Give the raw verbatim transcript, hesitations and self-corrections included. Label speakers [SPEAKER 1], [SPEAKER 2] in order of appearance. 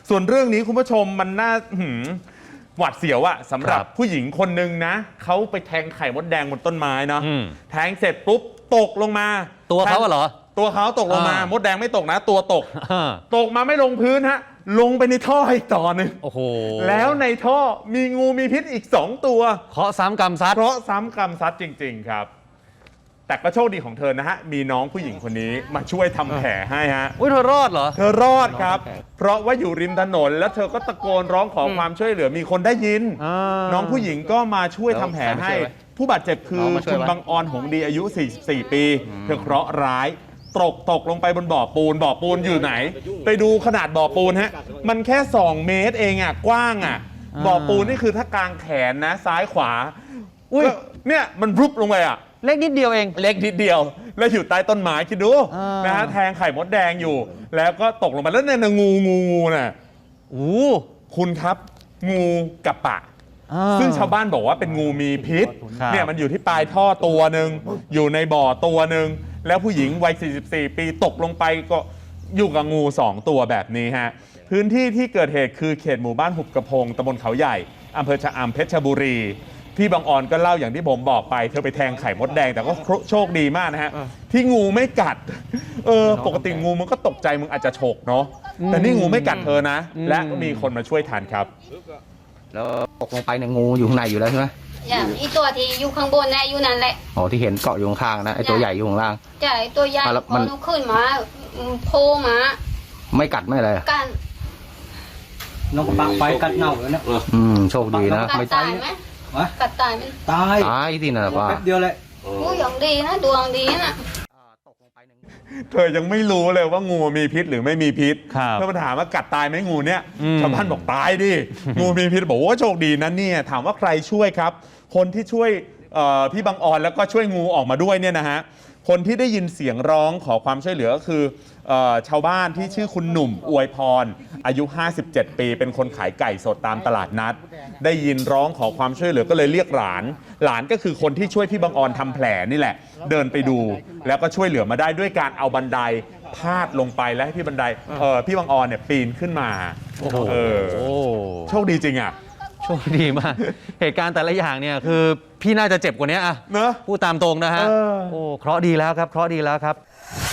[SPEAKER 1] ส่วนเรื่องนี้คุณผู้ชมมันน่าหวัดเสียวอะสำหรับผู้หญิงคนหนึ่งนะเขาไปแทงไข่มดแดงบนต้นไม้เนาะแทงเสร็จปุ๊บตกลงมา
[SPEAKER 2] ตัวเขาเหรอ
[SPEAKER 1] ตัวเขาตกลงมามดแดงไม่ตกนะตัวตกตกมาไม่ลงพื้นฮะลงไปในท่ออีกต่อหนึ่ง
[SPEAKER 2] โอ้โห
[SPEAKER 1] แล้วในท่อมีงูมีพิษอีกสองตัว
[SPEAKER 2] เคาะซ้ำกรรมซัด
[SPEAKER 1] เพราะซ้ำกรรมซัดจริงๆครับแต่ก็โชคดีของเธอนะฮะมีน้องผู้หญิงคนนี้มาช่วยทำแผลให้ฮะ
[SPEAKER 2] อุ้ยเธอรอดเหรอ
[SPEAKER 1] เธอรอดครับเพราะว่าอยู่ริมถนนแล้วเธอก็ตะโกนร้องขอความช่วยเหลือมีคนได้ยินน้องผู้หญิงก็มาช่วยทำแผลให้ผู้บาดเจ็บคือคุณบังออนหงดีอายุสี่สิบสี่ปีเธอเคราะห์ร้ายตกตกลงไปบนบ่อปูนบ่อปูนอยู่ไหนไปดูขนาดบ่อปูนฮะมันแค่สองเมตรเองอ่ะกว้างอ่ะบ่อปูนนี่คือถ้ากางแขนนะซ้ายขวาอุ้ยเนี่ยมันรุบลงไปอ่ะ
[SPEAKER 2] เล็กนิดเดียวเอง
[SPEAKER 1] เล็กนิดเดียวแล้วอยู่ใต้ต้นไม้คิดดูนะฮะแทงไข่มดแดงอยู่แล้วก็ตกลงไปแล้วเนี่ยงูงูงูน่ะ
[SPEAKER 2] โอ้
[SPEAKER 1] คุณครับงูกับปะซึ่งชาวบ้านบอกว่าเป็นงูมีพิษเนี่ยมันอยู่ที่ปลายท่อตัวหนึ่งอยู่ในบ่อตัวหนึ่งแล้วผู้หญิงวัยสี่สิบสี่ปีตกลงไปก็อยู่กับงูสองตัวแบบนี้ฮะพื้นที่ที่เกิดเหตุคือเขตหมู่บ้านหุบกระพงตำบลเขาใหญ่อำเภอชะอำเพชรบุรีพี่บางออนก็เล่าอย่างที่ผมบอกไปเธอไปแทงไข่มดแดงแต่ก็โชคดีมากนะฮะที่งูไม่กัดเออปกติงูมันก็ตกใจมึงอาจจะฉกเนาะแต่นี่งูไม่กัดเธอนะและมีคนมาช่วยทันครับ
[SPEAKER 3] แล้วตกลงไปเนี่ยงูอยู่ข้างในอยู่แล้วใช่ไหม
[SPEAKER 4] อย่างอีตัวที่อยู่ข้างบนนะอยู่นั่นแหละ
[SPEAKER 3] อ๋อที่เห็นเกาะอยู่ข้างนะไอตัวใหญ่อยู่ข้างล่าง
[SPEAKER 4] ใช่ตัวใหญ่พอนุขึ้นมาโผล่มา
[SPEAKER 3] ไม่กัดไม่อะไร
[SPEAKER 4] กัด
[SPEAKER 5] น้องปากไปกัดเน่าแล้วเนี่ย
[SPEAKER 3] อืมโชคดีนะ
[SPEAKER 4] ไม่ตายไหมกัดตายไหม
[SPEAKER 5] ตาย
[SPEAKER 3] ตายที่นั่นว่า
[SPEAKER 5] แป๊บเดียวเลย
[SPEAKER 4] โอ้ยอย่างดีนะดวงดีนะ
[SPEAKER 1] เธอยังไม่รู้เลยว่างูมีพิษหรือไม่มีพิษเธอมาถามว่ากัดตายไหมงูเนี่ยชาวบ้านบอกตายดิงูมีพิษบอกว่าโชคดีนะเนี่ยถามว่าใครช่วยครับคนที่ช่วยพี่บังออนแล้วก็ช่วยงูออกมาด้วยเนี่ยนะฮะคนที่ได้ยินเสียงร้องขอความช่วยเหลือก็คือชาวบ้านที่ชื่อคุณหนุ่มอวยพรอายุห้าสิบเจ็ดปีเป็นคนขายไก่สดตามตลาดนัดได้ยินร้องขอความช่วยเหลือก็เลยเรียกหลานหลานก็คือคนที่ช่วยพี่บังออนทำแผลนี่แหละเดินไปดูแล้วก็ช่วยเหลือมาได้ด้วยการเอาบันไดพาดลงไปแล้วให้พี่บันไดเออพี่บังออนเนี่ยปีนขึ้นมา
[SPEAKER 2] โอ้โห
[SPEAKER 1] โชคดีจริงอ่ะ
[SPEAKER 2] โชคดีมากเหตุการณ์แต่ละอย่างเนี่ยคือพี่น่าจะเจ็บกว่านี้อะ
[SPEAKER 1] เนอะ
[SPEAKER 2] พูดตามตรงนะฮะโอ้เคราะห์ดีแล้วครับเคราะห์ดีแล้วครับ